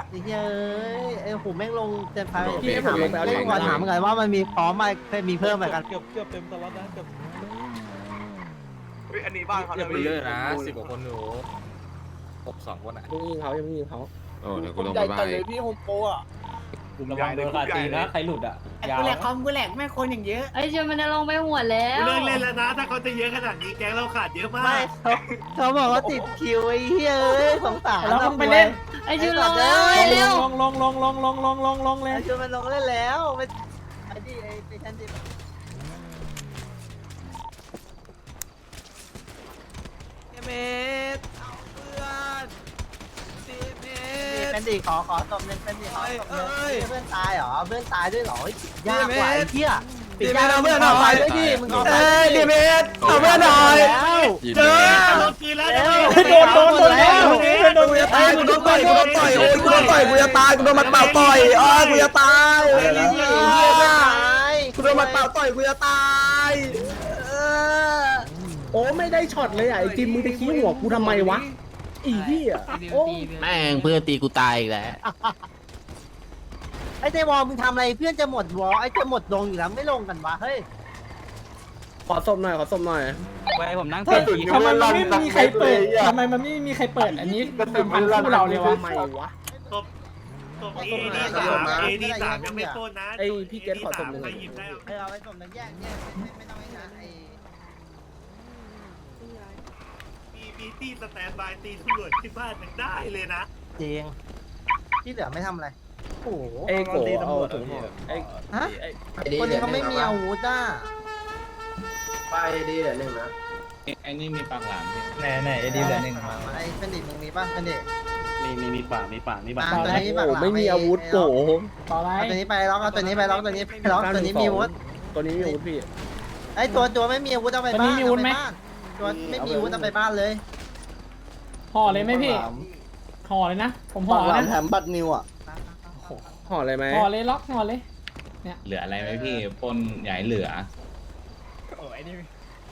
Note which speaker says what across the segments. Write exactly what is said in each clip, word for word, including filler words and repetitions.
Speaker 1: ไอ้เฮ้ยไอ้หูแม่งลงเต็มไฟ
Speaker 2: พี่ให้ผมลงไปเอา
Speaker 1: เล่
Speaker 2: ถั
Speaker 1: น
Speaker 2: ง
Speaker 1: ก่อนถามเหมือนกันว่ามันมีพร้อมไหมมีเพิ่มไหมกัน
Speaker 3: เกือบเกือบเต็มตลอดนะเกือบ
Speaker 4: เฮ้ยอันนี้บ้านเขา
Speaker 5: อย่าไปเยอะนะสิบกว่าคนหนูหกสองคนอ่ะ
Speaker 2: ยังยิงเขายังไม่ยิงเขา
Speaker 6: โอ้เดี๋ยวกูลงไปบ้าน
Speaker 3: พี่โฮมโปรอ่ะ
Speaker 4: กลุ่มใหญ่เลยกลุ่มใหญ่เลย
Speaker 3: ใครหลุดอ่ะ
Speaker 7: กูแหลกคอมกูแหลกแม่คนอย่างเยอะ
Speaker 8: ไอ้เจมันจะลงไปหัวแล้ว
Speaker 7: เลิกเล่นแล้วนะถ้าเขาจะเยอะขนาดนี้แก๊งเราขาดเยอะมาก
Speaker 1: ไม่เขาเขาบอกว่าติดคิวไอ้เฮ้ยสงสาร
Speaker 3: เราต้องไปเล่น
Speaker 8: ไอ้จูลงเลยเร็ว
Speaker 3: ลงลงลงลงลงลงลงลงเลย
Speaker 1: ไอ้จูมันลงเล่นแล้วไปไอ้ดิไอ้ไปชันดิเมตรเอาเพื่อนสิเมตรเป็นดิขอขอตบหนึ่งเป็นดิขอตบหนึ่งเพื่อนตายเหรอเพื่อนตายด้วยเหรอยากกว่าไอ้เหี้ยปิดยากเพื่อนเอาไปด้วยดิมึงเอาไปดิเมตรเอาเพื่อนหน่อยเจอ
Speaker 7: โดนคืนแล้ว
Speaker 3: โดนโดนโดนแล้วโดน
Speaker 1: ไอ้กูโดนต่อยกูโดนต่อยโอ้ยกูโดนต่อยกูจะตายกูโดนมันเป่าต่อยอ้อกูจะตายไอ้เหี้ยกูโดนมันเป่าต่อยกูจะตายเออ
Speaker 2: โอ้ไม่ได้ช็อตเลยอ่ะไอ้จิมมึงจะขี้หัวกูทำไมวะอีพี่อ่ะโอ้
Speaker 6: แม่งเพื่อนตีกูตายอีกแล้ว
Speaker 1: ไอ้เจวอลมึงทำอะไรเพื่อนจะหมดวอลไอ้จะหมดลงอยู่แล้วไม่ลงกันวะเฮ้ย
Speaker 2: ขอสมหน่อยขอสมหน่อย
Speaker 5: ไว้ผมนั่ง
Speaker 3: ทำไมมันไม่มีใครเปิดทำไมมันไม่มีใครเปิดอันนี้เป็นพันคู่เราเลยวะ
Speaker 2: ทำไมวะ
Speaker 7: ตบตบเอดีสามเอดีสามยังไม่ต้นนะใครหยิบได้
Speaker 1: ไอ้เอาไว้ส่งหนึ่งแยกแยกไม่ไม่ต้องไอ้นะไอ้
Speaker 7: มีมีตีสแตนบายตีตำรวจที่บ้านยังได้เลยนะ
Speaker 1: เจงที่เหลือไม่ทำอะไรโอ้โห
Speaker 2: ไอ้โกเอาถุงห่อไอ้
Speaker 1: ฮะคนนี้เขาไม่มีอาวุธอ่ะ
Speaker 2: ไปดีเหลือหนึ่งนะ
Speaker 5: ไอ้นี่มีปากหลามพี่
Speaker 3: ไหนไหนไอ้ดีเหลือหนึ่ง
Speaker 1: ไอ้เป็นดิมึงมีป่ะเป็นดิ
Speaker 4: มีมีมีป่ามีป่ามีป่า
Speaker 1: ตัวนี้ปากห
Speaker 2: โอ้
Speaker 1: ลา
Speaker 2: ไม่มีอาวุธโก
Speaker 3: ต่อไร
Speaker 1: เอาตัวนี้ไปล็อกเอาตัวนี้ไปล็อกตัวนี้ไปล็อกตัวนี้มีอาวุธ
Speaker 2: ตัวนี้มีอาวุธพี่
Speaker 1: ไอ้ตัวตัวไม่มีอาวุธเอาไปบ้านตัวไม่มีอาวุธเอาไปบ้านเลย
Speaker 3: ห่อเลยไหมพี่ห่อเลยนะผมห่อนะ
Speaker 1: แถมบัตรนิวอ่ะ
Speaker 2: ห่ออะไรไหม
Speaker 3: ห่อเลยล็อกห่อเลย
Speaker 5: เหลืออะไรไหมพี่ปนใหญ่เหลือ
Speaker 3: โอ้ยนี่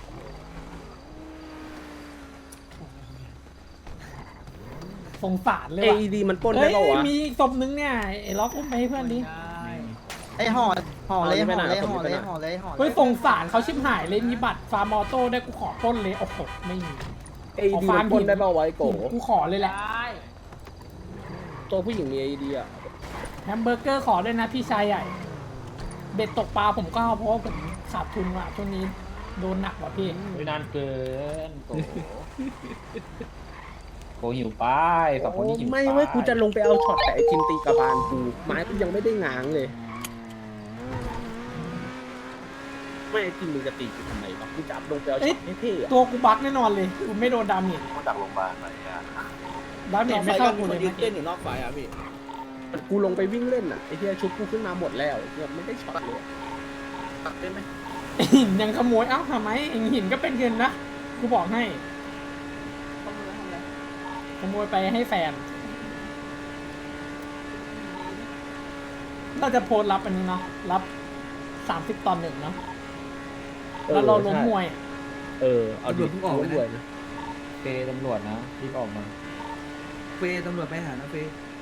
Speaker 3: สงสารเลย
Speaker 2: เอ
Speaker 3: ว่ะ
Speaker 2: ดีมันปล้น
Speaker 3: เฮ้
Speaker 2: ได้
Speaker 3: ย
Speaker 2: ป่าวะ
Speaker 3: มีอีกศพนึงเนี่ยไอ้ล็อกอุ้มไปให้เพื่อนดิ
Speaker 1: ไอ้ห่อห่อเลยห่อเลยห่อเลยห่อเลยห่อเล
Speaker 3: เฮ้ย
Speaker 1: ย
Speaker 3: สงสารเขาชิบหายเลยมีบัตรฟาร์มอโต้ได้กูขอต้นเลยโอ้โหไม่มี
Speaker 2: เอดีมันปล้นได้ป่าวะไอ้โก
Speaker 3: กูขอเลยแหละ
Speaker 2: ตัวผู้หญิงมีเอดีอ่ะ
Speaker 3: แฮมเบอร์เกอร์ขอด้วยนะพี่ชายใหญ่ เบ็ดตกปลาผมก็เอาเพราะว่าผมขาดทุนว่ะช่วงนี้โดนหนักว่ะพี่
Speaker 9: นานเกินโกโกหิวไปสองคนนี้หิว
Speaker 2: ไม่เว้ยกูจะลงไปเอาช็อตแต่ไอจิมตีกระบาลกูไม้กูยังไม่ได้ง้างเลย ไม่ไอจิมมึงจะตีกูทำไมวะกูจะลงไปเอาช็อตเท่ๆอะ
Speaker 3: ตัวกูบั๊กแน่นอนเลยกูไม่โดนดาเมจ
Speaker 4: มาจากโรงพยาบาลไหนอ่ะ
Speaker 3: ดาเมจไม่เข้ากูเลย
Speaker 2: เต้นอยู่นอกไฟอ่ะพี่กูลงไปวิ่งเล่นอ่ะไอเทียชุบกูขึ้นมาหมดแล้วไอ้เทียไม่ได้ช็อตเลยตัดได้ไหม
Speaker 3: หินยังขโมยเอ้าทำไมหินก็เป็นเงินนะกูบอกให้ขโมยไปให้แฟนเราจะโพสต์รับอันนี้เนาะรับสามสิบตอนหนึ่งเนาะแล้วเราล้มมวย
Speaker 2: เออเอาดิล้มมวยนะ
Speaker 9: เฟตำรวจนะรีบออกมา
Speaker 1: เฟตำรวจไปหานะเฟ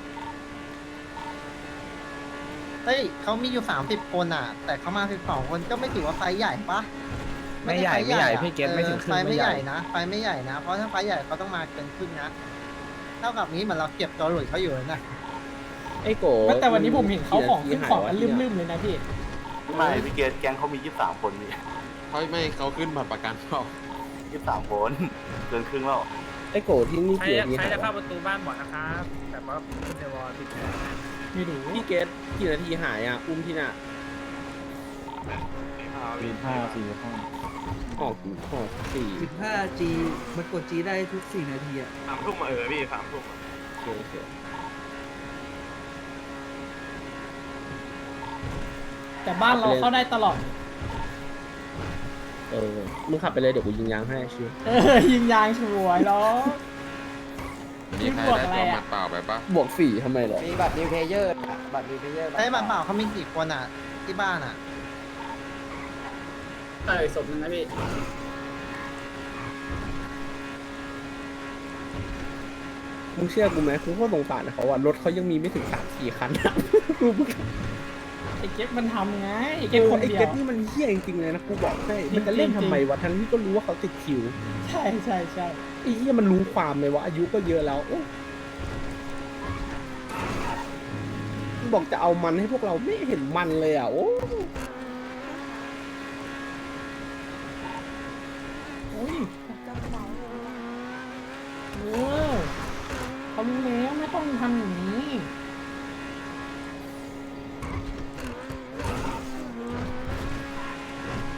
Speaker 1: เฮ้ยเขามีอยู่สามสิบคนอ่ะ แต่เขามาสิบสองคนก็ไม่ถือว่าไฟใหญ่ปะ
Speaker 5: ไม่ใหญ่ไม่ใหญ่พี่เกตไม่ถึงครึ่
Speaker 1: ไฟ
Speaker 5: ง
Speaker 1: ไม่ใหญ่นะไฟไม่ใหญ่นะเพราะถ้าไฟใหญ่เขาต้องมาเกินครึ่งนะเท่ากับนี้เหมือนเราเก็บตัวหลุดเขาอยู่นะ
Speaker 2: ไอ้โก
Speaker 3: แต่วันนี้ผมเห็นเขาของขึ้นของกันลืมๆเลยนะพี่
Speaker 4: ไม่พี่เกดแก๊งเขามียี่สิบสามคนนี่
Speaker 6: เขาไม่เขาขึ้นบัตรประกันเปล่า
Speaker 4: ยี่สิบสามคนเกินครึ่งแล้ว
Speaker 2: ไอ้โกที่นี่เกียร์ที่
Speaker 7: ใคร
Speaker 2: หาย
Speaker 7: จะเข้าประตูบ้านบอกนะครับแต่ว่าเดวอลติด
Speaker 3: ไม่รู้
Speaker 2: พี่เกตกี่นาทีหายอ่ะอุ้มที่น่ะ
Speaker 9: วีห้าสี่ห้า
Speaker 2: ออกออกสี่
Speaker 1: สิบห้าจี มันกดจีได้ทุกสี่นาทีอ่ะ
Speaker 4: สามทุ่มมาเออพี่สามทุ่ม
Speaker 2: โอเค
Speaker 3: แต่บ้านเราเข้าได้ตลอด
Speaker 2: เออมึงขับไปเลยเดี๋ยวกูยิงยางให้ชิว
Speaker 3: เออยิงยางช่วยแล้ว
Speaker 6: มีใครได้ตัวหมัดเปล่าไปปะ
Speaker 2: บวกสี่ทำไมเหรอ
Speaker 7: มีบัตรนิวเพเยอร์บัตรนิวเพเยอร์
Speaker 1: ไอ้บัตรเปล่าเขามีกี่คนอ่ะ ที่บ้านอ่ะ
Speaker 7: เออศพนึงนะพี่
Speaker 1: ไ
Speaker 2: มึงเชื่อกูไหมกูก็สงสารเขาอะรถเขายังมีไม่ถึงสามสี่คันอะกู
Speaker 3: ไอ้เก็บมันทำไงไอ้
Speaker 2: ไอ้
Speaker 3: เก็บคน
Speaker 2: ไอ้
Speaker 3: เดีย
Speaker 2: เก็
Speaker 3: ว
Speaker 2: บนี่มันเฮี้ยจริงๆเลยนะกูบอกให้มันจะเล่นทำไมวะทั้งที่ก็รู้ว่าเขาติดคิว
Speaker 3: ใช่ใช่ใช่
Speaker 2: ไอ้เฮี้ยมันรู้ความเลยว่าอายุก็เยอะแล้วโอ้บอกจะเอามันให้พวกเราไม่เห็นมันเลยอ่ะโอ้
Speaker 3: โอ้ยเออเขารู้แล้วไม่ต้องทำอย่างนี้